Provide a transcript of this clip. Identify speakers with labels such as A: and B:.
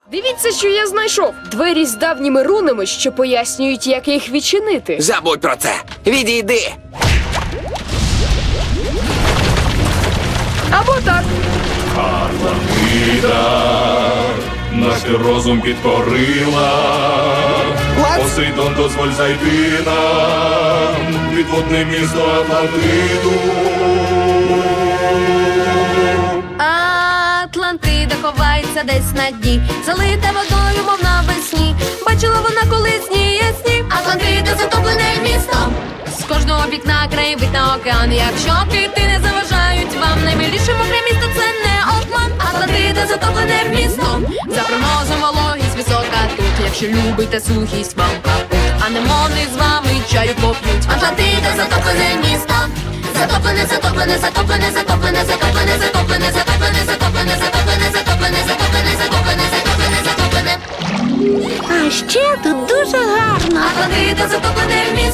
A: Дивіться, що я знайшов. Двері з давніми рунами, що пояснюють, як їх відчинити.
B: Забудь про це. Відійди.
A: Або так.
C: Наш ти розум підкорила. Посейдон, дозволь зайти нам. Підводне місто Атлантиду.
D: Атлантида ховається десь на дні, залита водою, мов навесні. Бачила вона колись сні ясні. Атлантида затоплене місто. З кожного вікна краєвид на океан. Якщо кити не заважають вам, наймиліше мокре місто це не обман. Атлантида затоплене місто. За прогнозом вологість висока тут. Якщо любите сухість, вам капут. Анемони з вами чаю поп'ють. Атлантида затоплене місто. Затоплене, затоплене, затоплене, затоплене, затоплене, затоплене, затоплене, затоплене, затоплене, затоплене, затоплене, затоплене, затоплене, затоплене.
E: А ще тут дуже гарно.
D: Атлантида затоплене місто.